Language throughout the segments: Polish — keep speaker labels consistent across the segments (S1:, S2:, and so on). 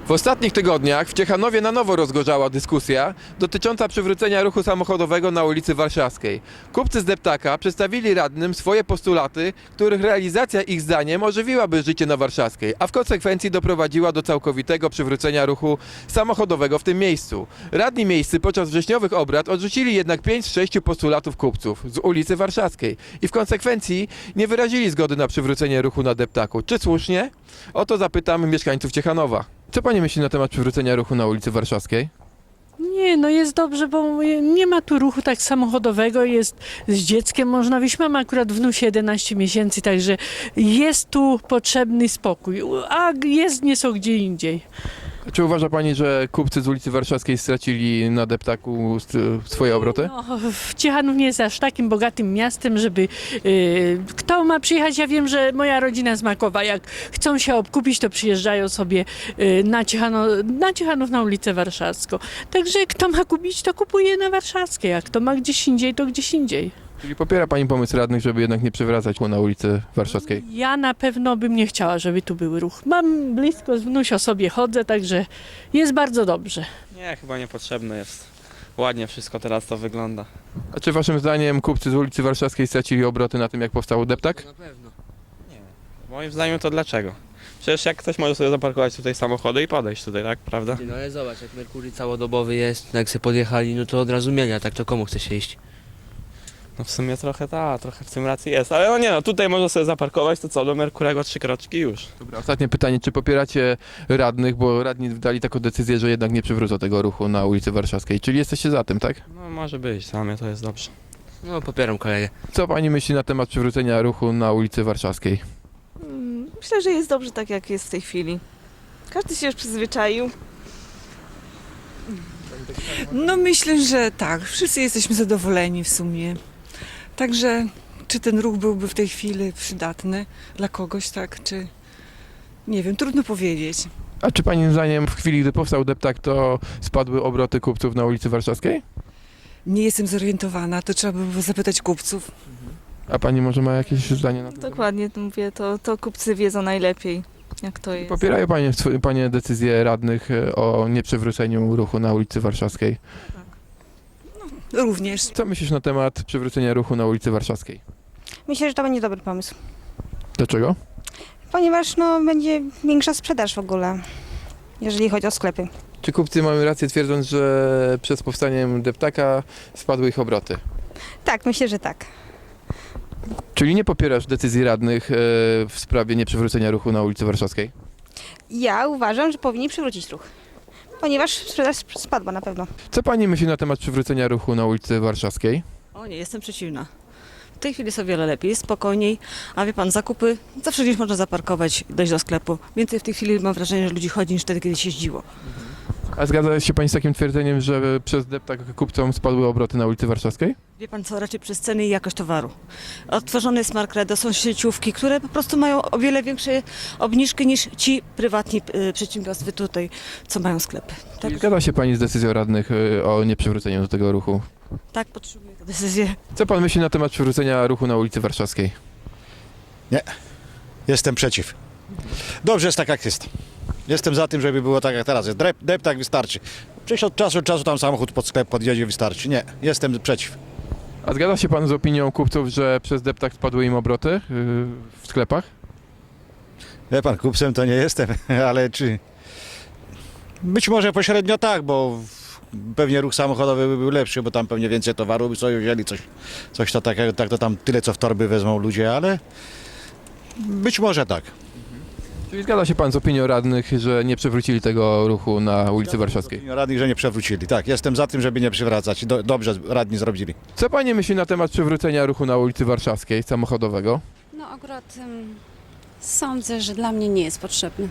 S1: W ostatnich tygodniach w Ciechanowie na nowo rozgorzała dyskusja dotycząca przywrócenia ruchu samochodowego na ulicy Warszawskiej. Kupcy z deptaka przedstawili radnym swoje postulaty, których realizacja ich zdaniem ożywiłaby życie na Warszawskiej, a w konsekwencji doprowadziła do całkowitego przywrócenia ruchu samochodowego w tym miejscu. Radni miejscy podczas wrześniowych obrad odrzucili jednak 5 z 6 postulatów kupców z ulicy Warszawskiej i w konsekwencji nie wyrazili zgody na przywrócenie ruchu na deptaku. Czy słusznie? O to zapytamy mieszkańców Ciechanowa. Co pani myśli na temat przywrócenia ruchu na ulicy Warszawskiej?
S2: Nie, no jest dobrze, bo nie ma tu ruchu tak samochodowego, jest z dzieckiem można wyjść. Mam akurat wnusie 11 miesięcy, także jest tu potrzebny spokój, a jezdnie są gdzie indziej.
S1: Czy uważa pani, że kupcy z ulicy Warszawskiej stracili na deptaku swoje obroty?
S2: No, Ciechanów nie jest aż takim bogatym miastem, żeby kto ma przyjechać. Ja wiem, że moja rodzina z Makowa, jak chcą się obkupić, to przyjeżdżają sobie na Ciechanów na ulicę Warszawską. Także kto ma kupić, to kupuje na Warszawskiej, a kto ma gdzieś indziej, to gdzieś indziej.
S1: Czyli popiera pani pomysł radnych, żeby jednak nie przywracać na ulicy Warszawskiej?
S2: Ja na pewno bym nie chciała, żeby tu był ruch. Mam blisko, z wnusią sobie chodzę, także jest bardzo dobrze.
S3: Nie, chyba niepotrzebne jest. Ładnie wszystko teraz to wygląda.
S1: A czy waszym zdaniem kupcy z ulicy Warszawskiej stracili obroty na tym, jak powstał deptak?
S4: Na pewno.
S3: Moim zdaniem to dlaczego? Przecież jak ktoś może sobie zaparkować tutaj samochody i podejść tutaj, tak? Prawda?
S4: No ale zobacz, jak Merkury całodobowy jest, jak sobie podjechali, no to od razu mieli, a tak to komu chce się iść?
S3: No w sumie trochę trochę w tym racji jest. Ale no nie no, tutaj można sobie zaparkować, to co, do Merkurego 3 kroczki już.
S1: Dobra, ostatnie pytanie, czy popieracie radnych, bo radni dali taką decyzję, że jednak nie przywrócą tego ruchu na ulicy Warszawskiej, czyli jesteście za tym, tak?
S3: No może być, dla mnie to jest dobrze.
S4: No popieram kolegę.
S1: Co pani myśli na temat przywrócenia ruchu na ulicy Warszawskiej?
S5: Myślę, że jest dobrze tak, jak jest w tej chwili. Każdy się już przyzwyczaił.
S6: No myślę, że tak. Wszyscy jesteśmy zadowoleni w sumie. Także czy ten ruch byłby w tej chwili przydatny dla kogoś, tak, czy nie wiem, trudno powiedzieć.
S1: A czy pani zdaniem w chwili, gdy powstał deptak, to spadły obroty kupców na ulicy Warszawskiej?
S6: Nie jestem zorientowana, to trzeba by było zapytać kupców.
S1: A pani może ma jakieś zdanie na to?
S5: Dokładnie, to mówię, to kupcy wiedzą najlepiej, jak to jest.
S1: Popierają panie decyzję radnych o nieprzywróceniu ruchu na ulicy Warszawskiej.
S6: Również.
S1: Co myślisz na temat przywrócenia ruchu na ulicy Warszawskiej?
S7: Myślę, że to będzie dobry pomysł,
S1: Dlaczego?
S7: ponieważ będzie większa sprzedaż w ogóle, jeżeli chodzi o sklepy.
S1: Czy kupcy mają rację, twierdząc, że przez powstaniem deptaka spadły ich obroty?
S7: Tak, myślę, że tak.
S1: Czyli nie popierasz decyzji radnych w sprawie nieprzywrócenia ruchu na ulicy Warszawskiej?
S7: Ja uważam, że powinni przywrócić ruch, ponieważ sprzedaż spadła na pewno.
S1: Co pani myśli na temat przywrócenia ruchu na ulicy Warszawskiej?
S8: O nie, jestem przeciwna. W tej chwili jest o wiele lepiej, jest spokojniej, a wie pan, zakupy zawsze gdzieś można zaparkować, dojść do sklepu. Więcej w tej chwili mam wrażenie, że ludzi chodzi niż wtedy, kiedy się jeździło.
S1: A zgadza się pani z takim twierdzeniem, że przez deptak kupcom spadły obroty na ulicy Warszawskiej?
S8: Wie pan co, raczej przez ceny i jakość towaru. Odtworzony jest Markredo, są sieciówki, które po prostu mają o wiele większe obniżki niż ci prywatni przedsiębiorstwa tutaj, co mają sklepy. Tak,
S1: Zgadza się pani z decyzją radnych o nieprzywróceniu do tego ruchu?
S8: tak podtrzymuję tę decyzję.
S1: Co pan myśli na temat przywrócenia ruchu na ulicy Warszawskiej?
S9: Jestem przeciw. Dobrze jest tak, jak jest. Jestem za tym, żeby było tak, jak teraz jest. Deptak wystarczy. Przecież od czasu do czasu tam samochód pod sklep podjedzie, wystarczy. Nie, jestem przeciw.
S1: A zgadza się pan z opinią kupców, że przez deptak spadły im obroty w sklepach?
S9: Wie pan, kupcem to nie jestem, ale czy... Być może pośrednio tak, bo pewnie ruch samochodowy by był lepszy, bo tam pewnie więcej towaru by sobie wzięli, coś to takiego, tak to tam tyle, co w torby wezmą ludzie, ale być może tak.
S1: Czyli zgadza się pan z opinią radnych, że nie przywrócili tego ruchu na ulicy Warszawskiej?
S9: Radnych, że nie przewrócili. Tak, jestem za tym, żeby nie przywracać. Dobrze radni zrobili.
S1: Co pani myśli na temat przywrócenia ruchu na ulicy Warszawskiej samochodowego?
S10: No akurat sądzę, że dla mnie nie jest potrzebny.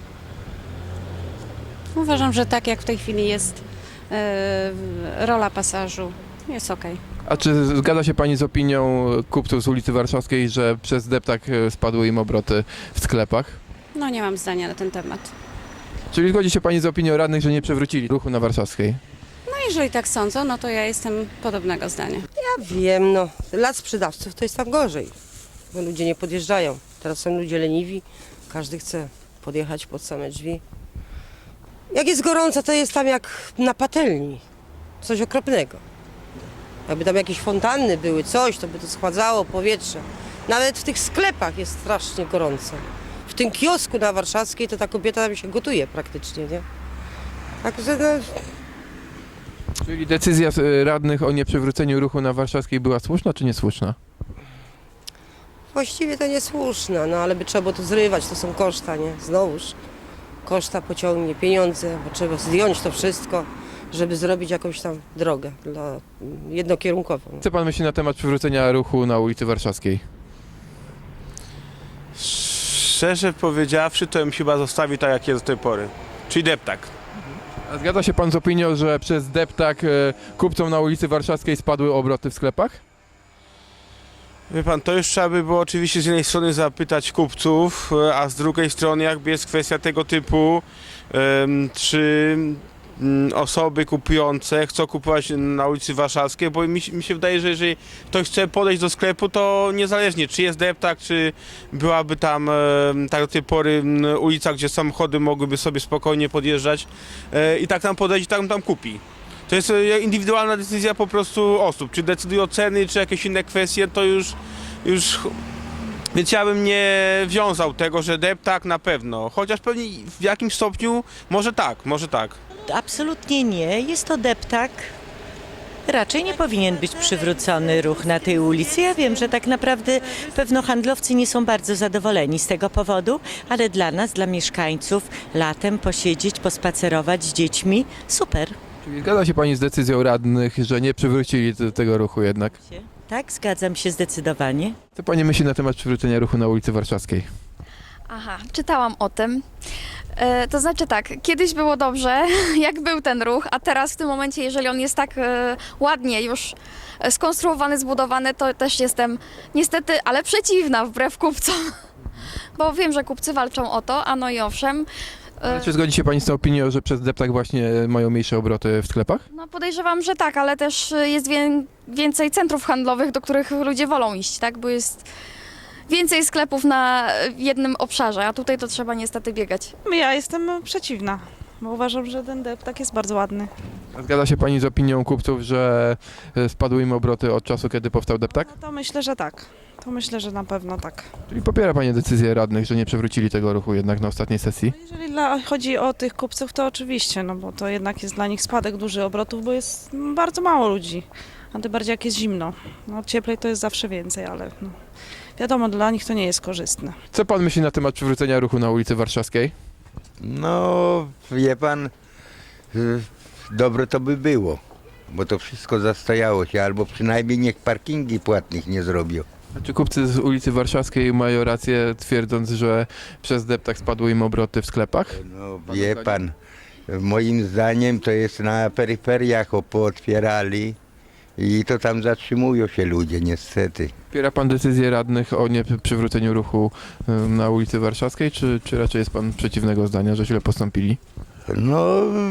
S10: Uważam, że tak jak w tej chwili jest rola pasażu, jest okej.
S1: A czy zgadza się pani z opinią kupców z ulicy Warszawskiej, że przez deptak spadły im obroty w sklepach?
S10: No nie mam zdania na ten temat.
S1: Czyli zgodzi się pani z opinią radnych, że nie przywrócili ruchu na Warszawskiej?
S10: No jeżeli tak sądzą, no to ja jestem podobnego zdania.
S11: Ja wiem, no. Dla sprzedawców to jest tam gorzej, bo ludzie nie podjeżdżają. Teraz są ludzie leniwi, każdy chce podjechać pod same drzwi. Jak jest gorąco, to jest tam jak na patelni. Coś okropnego. Jakby tam jakieś fontanny były, coś, to by to schładzało powietrze. Nawet w tych sklepach jest strasznie gorąco. W tym kiosku na Warszawskiej to ta kobieta tam się gotuje praktycznie, nie? Także no,
S1: Czyli decyzja radnych o nieprzywróceniu ruchu na Warszawskiej była słuszna czy niesłuszna?
S11: właściwie to niesłuszne, no ale by trzeba było to zrywać, to są koszta, nie? Znowuż koszta pociągnie, pieniądze, bo trzeba zdjąć to wszystko, żeby zrobić jakąś tam drogę jednokierunkową.
S1: Co pan myśli na temat przywrócenia ruchu na ulicy Warszawskiej?
S12: Szczerze powiedziawszy, to bym chyba zostawił tak, jak jest do tej pory. Czyli deptak.
S1: A zgadza się pan z opinią, że przez deptak kupcom na ulicy Warszawskiej spadły obroty w sklepach?
S12: Wie pan, to już trzeba by było oczywiście z jednej strony zapytać kupców, a z drugiej strony jakby jest kwestia tego typu, czy osoby kupujące chcą kupować na ulicy Warszawskiej, bo mi się wydaje, że jeżeli ktoś chce podejść do sklepu, to niezależnie czy jest deptak, czy byłaby tam tak do tej pory ulica, gdzie samochody mogłyby sobie spokojnie podjeżdżać i tak tam podejść i tam kupi. To jest indywidualna decyzja po prostu osób, czy decydują ceny, czy jakieś inne kwestie, to już. Więc ja bym nie wiązał tego, że deptak na pewno, chociaż pewnie w jakimś stopniu może tak.
S13: Absolutnie nie. Jest to deptak. Raczej nie powinien być przywrócony ruch na tej ulicy. Ja wiem, że tak naprawdę pewno handlowcy nie są bardzo zadowoleni z tego powodu, ale dla nas, dla mieszkańców, latem posiedzieć, pospacerować z dziećmi, super.
S1: Czyli zgadza się pani z decyzją radnych, że nie przywrócili tego ruchu jednak?
S13: Tak, zgadzam się zdecydowanie.
S1: Co pani myśli na temat przywrócenia ruchu na ulicy Warszawskiej?
S14: Aha, czytałam o tym. To znaczy tak, kiedyś było dobrze, jak był ten ruch, a teraz w tym momencie, jeżeli on jest tak ładnie już skonstruowany, zbudowany, to też jestem niestety, ale przeciwna wbrew kupcom. Bo wiem, że kupcy walczą o to, a no i owszem.
S1: Ale czy zgodzi się pani z tą opinią, że przez deptak właśnie mają mniejsze obroty w sklepach?
S14: No podejrzewam, że tak, ale też jest więcej centrów handlowych, do których ludzie wolą iść, tak? Bo jest więcej sklepów na jednym obszarze, a tutaj to trzeba niestety biegać.
S5: Ja jestem przeciwna, bo uważam, że ten deptak jest bardzo ładny.
S1: A zgadza się pani z opinią kupców, że spadły im obroty od czasu, kiedy powstał deptak?
S5: No to myślę, że tak. To myślę, że na pewno tak.
S1: Czyli popiera pani decyzję radnych, że nie przywrócili tego ruchu jednak na ostatniej sesji?
S5: Jeżeli chodzi o tych kupców, to oczywiście, no bo to jednak jest dla nich spadek duży obrotów, bo jest bardzo mało ludzi. A tym bardziej jak jest zimno. No cieplej to jest zawsze więcej, ale no, wiadomo, dla nich to nie jest korzystne.
S1: Co pan myśli na temat przywrócenia ruchu na ulicy Warszawskiej?
S15: No, wie pan, dobre to by było, bo to wszystko zastajało się, albo przynajmniej niech parkingi płatnych nie zrobią.
S1: A czy kupcy z ulicy Warszawskiej mają rację, twierdząc, że przez deptak spadły im obroty w sklepach?
S15: No, wie pan, moim zdaniem to jest na peryferiach pootwierali i to tam zatrzymują się ludzie niestety.
S1: Popiera pan decyzję radnych o nieprzywróceniu ruchu na ulicy Warszawskiej, czy raczej jest pan przeciwnego zdania, że źle postąpili?
S15: No,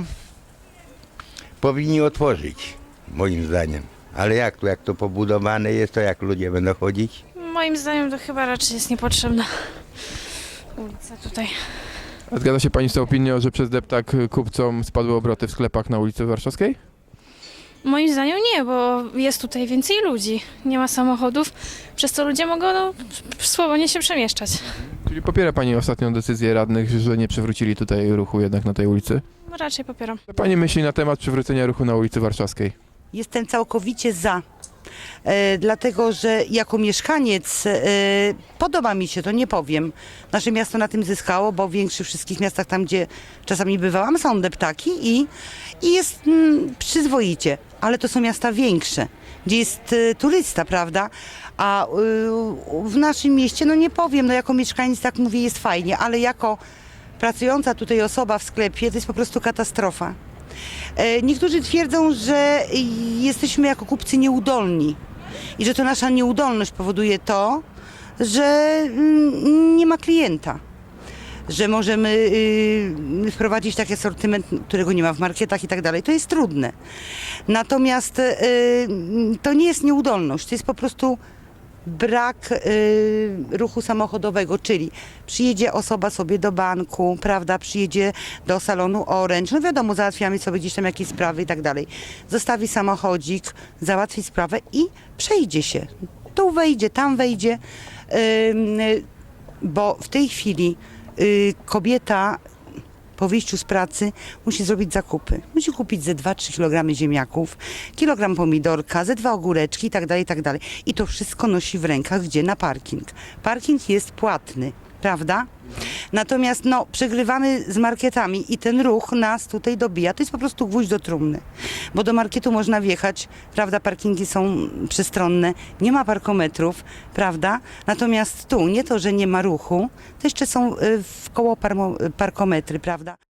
S15: powinni otworzyć, moim zdaniem. Ale jak to pobudowane jest, to jak ludzie będą chodzić?
S14: Moim zdaniem to chyba raczej jest niepotrzebna ulica tutaj.
S1: A zgadza się pani z tą opinią, że przez deptak kupcom spadły obroty w sklepach na ulicy Warszawskiej?
S14: Moim zdaniem nie, bo jest tutaj więcej ludzi, nie ma samochodów, przez co ludzie mogą swobodnie się przemieszczać.
S1: Czyli popiera pani ostatnią decyzję radnych, że nie przywrócili tutaj ruchu jednak na tej ulicy?
S14: Raczej popieram.
S1: Co pani myśli na temat przywrócenia ruchu na ulicy Warszawskiej?
S16: Jestem całkowicie za, dlatego że jako mieszkaniec podoba mi się to, nie powiem. Nasze miasto na tym zyskało, bo w większych wszystkich miastach, tam gdzie czasami bywałam, są deptaki i jest przyzwoicie, ale to są miasta większe, gdzie jest turysta, prawda? A w naszym mieście, no nie powiem, no jako mieszkaniec tak mówię, jest fajnie, ale jako pracująca tutaj osoba w sklepie to jest po prostu katastrofa. Niektórzy twierdzą, że jesteśmy jako kupcy nieudolni i że to nasza nieudolność powoduje to, że nie ma klienta, że możemy wprowadzić taki asortyment, którego nie ma w marketach i tak dalej. To jest trudne. Natomiast to nie jest nieudolność, to jest po prostu brak ruchu samochodowego, czyli przyjedzie osoba sobie do banku, prawda, przyjedzie do salonu Orange, no wiadomo, załatwiamy sobie gdzieś tam jakieś sprawy i tak dalej. Zostawi samochodzik, załatwi sprawę i przejdzie się. Tu wejdzie, tam wejdzie, bo w tej chwili kobieta po wyjściu z pracy musi zrobić zakupy. Musi kupić ze 2-3 kg ziemniaków, kilogram pomidorka, ze 2 ogóreczki i tak dalej, i tak dalej. I to wszystko nosi w rękach, gdzie na parking. Parking jest płatny, prawda? Natomiast no, przegrywamy z marketami i ten ruch nas tutaj dobija. To jest po prostu gwóźdź do trumny, bo do marketu można wjechać, prawda, parkingi są przestronne, nie ma parkometrów, prawda? Natomiast tu nie to, że nie ma ruchu, to jeszcze są w koło parkometry, prawda?